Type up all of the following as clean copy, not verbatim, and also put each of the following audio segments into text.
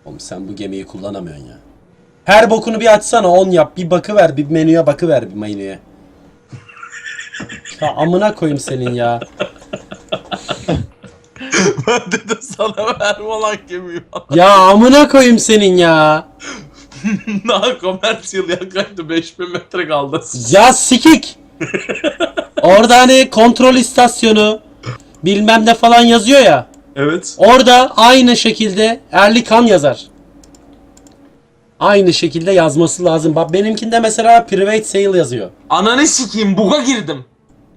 Oğlum sen bu gemiyi kullanamıyorsun ya. Her bokunu bir açsana, 10 yap. Bir bakıver, bir menüye bakıver, bir menüye. Ya amına koyayım senin ya. Ben dedim sana verme lan gemiyi. Ya amına koyayım senin ya. Daha komersiyel yaklaştı, 5000 metre kaldı. Ya sikik. Orada hani kontrol istasyonu bilmem ne falan yazıyor ya. Evet. Orada aynı şekilde Erlikan yazar. Aynı şekilde yazması lazım. Bak benimkinde mesela private sale yazıyor. Ananı sikeyim, buga girdim.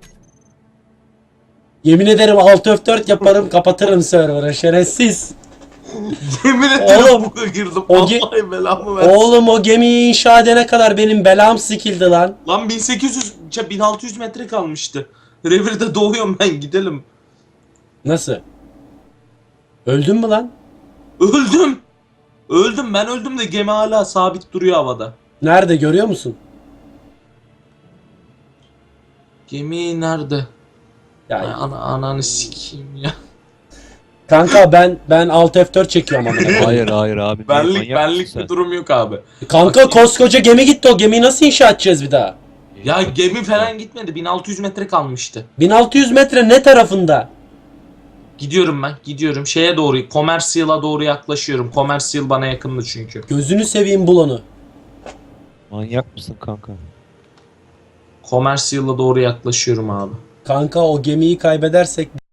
Yemin ederim alt F4 yaparım, kapatırım server'ı şerefsiz. Yemin ederim Oğlum, buga girdim. o Vallahi belamı versin. Oğlum o gemiyi inşa edene kadar benim belam sikildi lan. Lan 1800, 1600 metre kalmıştı. Revirde doğuyorum ben, gidelim. Nasıl? Öldün mü lan? Öldüm. Öldüm, ben öldüm de gemi hala sabit duruyor havada. Nerede görüyor musun? Gemi nerede? Ay, Ya ananı sikeyim ya. kanka ben alt F4 çekiyorum amına koyayım. Hayır abi. Benlik bir durum yok abi. Kanka koskoca gemi gitti, o gemiyi nasıl inşa edeceğiz bir daha? Ya gemi falan gitmedi. 1600 metre kalmıştı. 1600 metre ne tarafında? Gidiyorum ben. Gidiyorum. Şeye doğru. Commercial'a doğru yaklaşıyorum. Commercial bana yakındı çünkü. Gözünü seveyim bul onu. Manyak mısın kanka? Commercial'a doğru yaklaşıyorum abi. Kanka o gemiyi kaybedersek